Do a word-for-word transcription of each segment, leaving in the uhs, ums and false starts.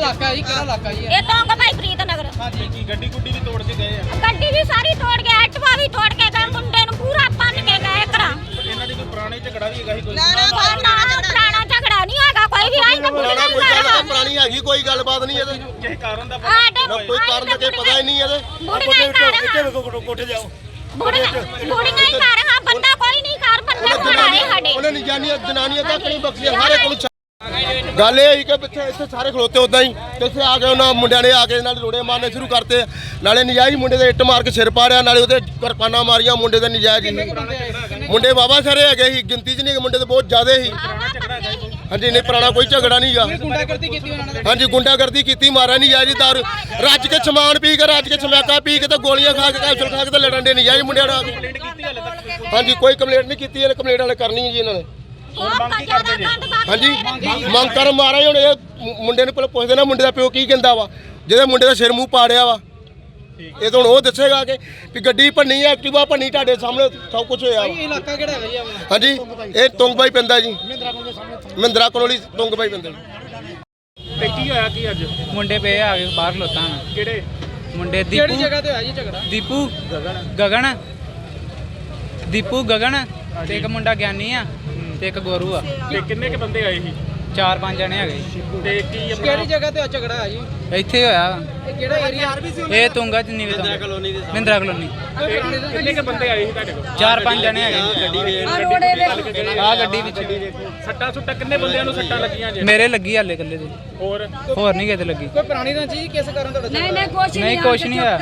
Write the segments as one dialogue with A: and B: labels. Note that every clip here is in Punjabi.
A: ਇਲਾਕਾ ਜੀ ਕਿਹੜਾ ਇਲਾਕਾ ਜੀ
B: ਇਹ ਤੋਂਗ ਭਾਈ ਪ੍ਰੀਤ ਨਗਰ।
C: ਹਾਂਜੀ ਕੀ ਗੱਡੀ ਗੁੱਡੀ ਵੀ ਤੋੜ ਕੇ ਗਏ ਆ?
B: ਗੱਡੀ ਵੀ ਸਾਰੀ ਤੋੜ ਕੇ ਐਟਵਾ ਵੀ ਤੋੜ ਕੇ ਗਏ, ਮੁੰਡੇ ਨੂੰ ਪੂਰਾ ਪੰਨ ਕੇ ਗਏ ਕਰਾਂ।
C: ਇਹਨਾਂ ਦੀ ਕੋਈ ਪੁਰਾਣੀ ਝਗੜਾ ਵੀ ਹੈਗਾ ਸੀ ਕੋਈ?
B: ਨਾ ਪੁਰਾਣਾ ਝਗੜਾ ਨਹੀਂ ਹੈਗਾ ਕੋਈ ਵੀ। ਆਈ ਤਾਂ
D: ਪੁਰਾਣਾ ਕੋਈ ਗੱਲ ਪੁਰਾਣੀ ਹੈਗੀ ਕੋਈ ਗੱਲਬਾਤ ਨਹੀਂ ਇਹਦੇ
C: ਕਿਸੇ ਕਾਰਨ ਦਾ ਪਤਾ
D: ਨਾ ਕੋਈ ਕਾਰਨ ਦਾ ਪਤਾ ਹੀ ਨਹੀਂ ਇਹਦੇ।
C: ਕੋਠੇ ਜਾਓ
B: ਬੁੜੀਆਂ ਬੁੜੀਆਂ ਹੀ ਕਰ ਹਾਂ, ਬੰਦਾ ਕੋਈ ਨਹੀਂ ਕਰ, ਬੰਦਾ ਖੜਾਏ ਸਾਡੇ।
D: ਉਹਨੇ ਨਿਜਾਨੀਆਂ ਜਨਾਨੀਆਂ ਤੱਕ ਨਹੀਂ ਬਖਸ਼ੀਆਂ ਸਾਰੇ ਕੋਲ। ਗੱਲ ਇਹ ਹੋਈ ਕਿ ਪਿੱਛੇ ਇੱਥੇ ਸਾਰੇ ਖਲੋਤੇ ਉਦਾਂ ਹੀ ਤੇ ਇੱਥੇ ਆ ਕੇ ਉਹਨਾਂ ਮੁੰਡਿਆਂ ਨੇ ਆ ਕੇ ਨਾਲ ਰੋੜੇ ਮਾਰਨੇ ਸ਼ੁਰੂ ਕਰਤੇ। ਨਾਲੇ ਨਜਾਇਜ਼ ਮੁੰਡੇ ਦੇ ਇੱਟ ਮਾਰ ਕੇ ਸਿਰ ਪਾੜਿਆ, ਨਾਲੇ ਉਹਦੇ ਕਿਰਪਾਨਾਂ ਮਾਰੀਆਂ ਮੁੰਡੇ ਦੇ ਨਜਾਇਜ਼ ਹੀ। ਮੁੰਡੇ ਬਾਬਾ ਸਾਰੇ ਹੈਗੇ ਸੀ, ਗਿਣਤੀ 'ਚ ਨਹੀਂ ਮੁੰਡੇ ਤੇ ਬਹੁਤ ਜ਼ਿਆਦੇ ਸੀ। ਹਾਂਜੀ ਨਹੀਂ ਪੁਰਾਣਾ ਕੋਈ ਝਗੜਾ ਨਹੀਂ ਗਾ।
A: ਗੁੰਡਾਗਰਦੀ ਕੀਤੀ ਉਹਨਾਂ ਨੇ?
D: ਹਾਂਜੀ ਗੁੰਡਾਗਰਦੀ ਕੀਤੀ, ਮਾਰਿਆ ਨਜਾਇਜ਼ ਦਾਰੂ ਰੱਜ ਕੇ ਸਮਾਨ ਪੀ ਕੇ ਰੱਜ ਕੇ ਸਮੈਕਾ ਪੀ ਕੇ ਤੇ ਗੋਲੀਆਂ ਖਾ ਕੇ ਕੈਪਸੂਲ ਖਾ ਕੇ ਤੇ ਲੜਨ ਦੇ ਨਜਾਇਜ਼ ਮੁੰਡਿਆਂ ਨਾਲ। ਹਾਂਜੀ ਕੋਈ ਕੰਪਲੇਂਟ ਨਹੀਂ ਕੀਤੀ, ਇਹਨੇ ਕੰਪਲੇਂਟ ਵਾਲੇ ਕਰਨੀ ਹੈ ਜੀ ਇਹਨਾਂ ਨੇ। ਹਾਂਜੀ ਮੰਗ ਕਰ ਮਾਰਾ ਹੁਣ ਇਹ ਮੁੰਡੇ ਨੂੰ ਪਹਿਲਾਂ ਪੁੱਛਦੇ ਨਾ ਮੁੰਡੇ ਦਾ ਪਿਓ ਕੀ ਕਹਿੰਦਾ ਵਾ, ਜਿਹਦੇ ਮੁੰਡੇ ਦਾ ਸਿਰ ਮੂੰਹ ਪਾੜਿਆ ਵਾ। ਇਹ ਤਾਂ ਹੁਣ ਉਹ ਦੱਸੇਗਾ ਕਿ ਵੀ ਗੱਡੀ ਭੰਨੀ ਆ, ਐਕਟਿਵਾ ਭੰਨੀ, ਤੁਹਾਡੇ ਸਾਹਮਣੇ ਸਭ ਕੁਝ ਹੋਇਆ ਵਾ।
A: ਇਹ ਇਲਾਕਾ ਕਿਹੜਾ ਹੈਗਾ ਜੀ ਆਪਣਾ?
D: ਹਾਂਜੀ ਇਹ ਤੁੰਗਬਾਈ ਪੈਂਦਾ ਜੀ, ਮਹਿੰਦਰਾ ਕਲੋਨੀ ਤੁੰਗਬਾਈ ਪੈਂਦਾ ਜੀ।
C: ਤੇ ਕੀ ਹੋਇਆ ਕੀ ਅੱਜ?
E: ਮੁੰਡੇ ਪਏ ਆ ਗਏ ਬਾਹਰ ਖਲੋਤਾ ਹਾਂ।
C: ਕਿਹੜੇ
E: ਮੁੰਡੇ
A: ਕਿਹੜੀ
E: ਦੀਪੂ
A: ਜਗ੍ਹਾ ਤੇ ਹੋਇਆ ਜੀ ਝਗੜਾ?
E: ਦੀਪੂ ਗਗਨ ਦੀਪੂ ਗਗਨ ਤੇ ਇੱਕ ਮੁੰਡਾ ਗਿਆਨੀ ਆ ਤੇ ਇੱਕ ਗੋਰੂ ਆ।
C: ਤੇ ਕਿੰਨੇ ਕੇ ਬੰਦੇ ਆਏ ਸੀ?
E: ਚਾਰ ਪੰਜ ਜਣੇ ਹੈਗੇ।
C: ਤੇ ਕੀ ਆਪਣਾ
A: ਕਿਹੜੀ ਜਗ੍ਹਾ ਤੇ ਝਗੜਾ ਹੈ ਜੀ?
E: ਇੱਥੇ ਹੋਇਆ
A: ਇਹ ਕਿਹੜਾ ਏਰੀਆ?
E: ਇਹ ਤੁੰਗਾ ਚ ਨੀਵੇਂ ਮਹਿੰਦਰਾ ਕਲੋਨੀ ਮਹਿੰਦਰਾ ਕਲੋਨੀ।
C: ਕਿੰਨੇ ਕੇ ਬੰਦੇ ਆਏ ਸੀ ਤੁਹਾਡੇ ਕੋਲ?
E: ਚਾਰ ਪੰਜ ਜਣੇ ਹੈਗੇ ਆ ਗੱਡੀ ਵਿੱਚ।
C: ਸੱਟਾਂ ਸੁੱਟਾਂ ਕਿੰਨੇ ਬੰਦਿਆਂ ਨੂੰ ਸੱਟਾਂ ਲੱਗੀਆਂ ਜੇ?
E: ਮੇਰੇ ਲੱਗੀ ਹਾਲੇ ਇਕੱਲੇ ਦੇ,
C: ਹੋਰ
E: ਹੋਰ ਨਹੀਂ ਕਿਤੇ ਲੱਗੀ।
A: ਕੋਈ ਪੁਰਾਣੀ ਰੰਜੀ ਕਿਸ ਕਾਰਨ ਤੁਹਾਡਾ ਝਗੜਾ?
E: ਨਹੀਂ ਕੁਛ ਨਹੀਂ ਹੋਇਆ,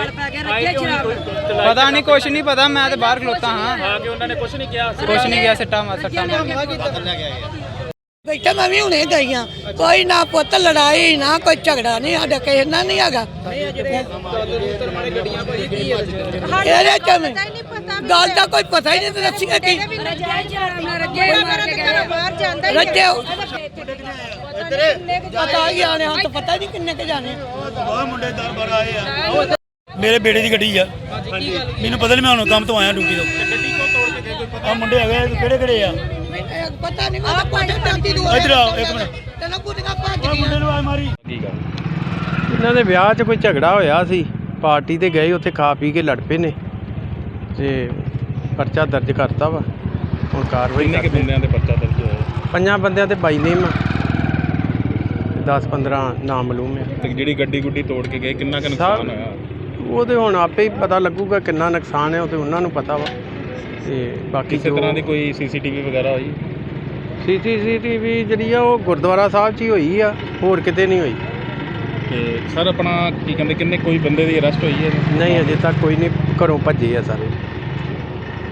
E: ਪਤਾ ਨਹੀਂ ਕੁਛ ਨਹੀਂ ਪਤਾ। ਮੈਂ ਤੇ ਬਾਹਰ ਖਲੋਤਾ ਹਾਂ।
C: ਆ ਕੇ ਉਹਨਾਂ ਨੇ ਕੁਝ ਨਹੀਂ ਕਿਹਾ?
E: ਕੁਛ ਨਹੀਂ ਗਿਆ, ਸੱਟਾਂ ਮਾਰ ਸੱਟਾਂ ਮਾਰ
A: ਹਮਲਾ ਕੀਤਾ?
F: ਬੈਠਾ ਮੈਂ ਵੀ ਹੁਣੇ ਗਈ ਆ। ਕੋਈ ਨਾ ਪੁੱਤ ਲੜਾਈ ਨਾ ਕੋਈ ਝਗੜਾ ਨਹੀਂ ਸਾਡਾ ਕਿਸੇ ਨਾਲ ਨਹੀਂ ਹੈਗਾ।
A: ਜਿਹੜੇ ਰੂਤਰ ਮਾਰੇ ਗੱਡੀਆਂ ਭਾਈ ਕੀ ਹੈ?
F: ਇਹਦੇ ਚ ਮੈਂ ਗੱਲ ਦਾ ਕੋਈ ਪਤਾ ਹੀ ਨਹੀਂ ਤੇ ਦੱਸੀਏ ਕੀ ਰੱਜੇ ਪਤਾ ਹੀ ਆਣੇ ਹਾਂ ਤਾਂ ਪਤਾ ਨਹੀਂ ਕਿੰਨੇ ਕੇ ਜਾਣੇ।
G: ਬਹੁਤ ਮੁੰਡੇ ਦਰ ਬਾਰ ਆਏ ਆ। ਮੇਰੇ ਬੇੜੇ ਦੀ ਗੱਡੀ ਆ। ਮੈਨੂੰ ਪਤਾ ਨਹੀਂ, ਮੈਂ ਹੁਣ ਕੰਮ ਤੋਂ ਆਇਆ ਡਿਊਟੀ ਤੋਂ।
C: ਗੱਡੀ ਕੋ ਤੋੜ ਕੇ ਗਏ ਕੋਈ ਪਤਾ?
G: ਆ ਮੁੰਡੇ ਹੈਗੇ ਕਿਹੜੇ ਕਿਹੜੇ ਆ?
F: ਪਤਾ ਨਹੀਂ ਮੈਂ ਕੋਈ ਟਾਂਟੀ ਦੂਰ
G: ਇੱਧਰ ਆਓ ਇੱਕ ਮਿੰਟ।
F: ਤੈਨੂੰ ਕੁੜੀਆਂ ਭੱਜ
G: ਆ ਮੁੰਡੇ ਨੂੰ ਆ ਮਾਰੀ।
C: ਠੀਕ ਆ।
H: ਇਹਨਾਂ ਦੇ ਵਿਆਹ 'ਚ ਕੋਈ ਝਗੜਾ ਹੋਇਆ ਸੀ, ਪਾਰਟੀ ਤੇ ਗਏ, ਉੱਥੇ ਖਾ ਪੀ ਕੇ ਲੜ ਪਏ ਨੇ ਤੇ ਪਰਚਾ ਦਰਜ ਕਰਤਾ ਵਾ। ਹੁਣ ਕਾਰਵਾਈ
C: ਕਿੰਨੇ ਕੇ ਬੰਦਿਆਂ ਦੇ ਪਰਚਾ ਦਰਜ ਹੋਇਆ?
H: ਪੰਜਾਂ ਬੰਦਿਆਂ ਤੇ ਬਾਈ ਨੇਮ ਆ, ਦਸ ਪੰਦਰਾਂ ਨਾਮ ਮਾਲੂਮ ਆ।
C: ਤੇ ਜਿਹੜੀ ਗੱਡੀ ਗੁੱਡੀ ਤੋੜ ਕੇ ਗਏ ਕਿੰਨਾ ਕੁ ਨੁਕਸਾਨ ਹੋਇਆ?
H: ਉਹ ਤੇ ਹੁਣ ਆਪੇ ਹੀ ਪਤਾ ਲੱਗੂਗਾ ਕਿੰਨਾ ਨੁਕਸਾਨ ਹੈ, ਉਹ ਤੇ ਉਹਨਾਂ ਨੂੰ ਪਤਾ ਵਾ। ਤੇ ਬਾਕੀ
C: ਕਿਸੇ ਤਰ੍ਹਾਂ ਦੀ ਕੋਈ ਸੀਸੀਟੀਵੀ ਵਗੈਰਾ ਹੋਈ?
H: ਸੀਸੀਟੀਵੀ ਜਿਹੜੀ ਆ ਉਹ ਗੁਰਦੁਆਰਾ ਸਾਹਿਬ 'ਚ ਹੀ ਹੋਈ ਆ, ਹੋਰ ਕਿਤੇ ਨਹੀਂ ਹੋਈ।
C: ਤੇ ਸਰ ਆਪਣਾ ਕੀ ਕਹਿੰਦੇ ਕਿੰਨੇ ਕੋਈ ਬੰਦੇ ਦੀ ਅਰੈਸਟ ਹੋਈ ਹੈ?
H: ਨਹੀਂ ਅਜੇ ਤੱਕ ਕੋਈ ਨਹੀਂ, ਘਰੋਂ ਭੱਜੇ ਆ ਸਾਰੇ।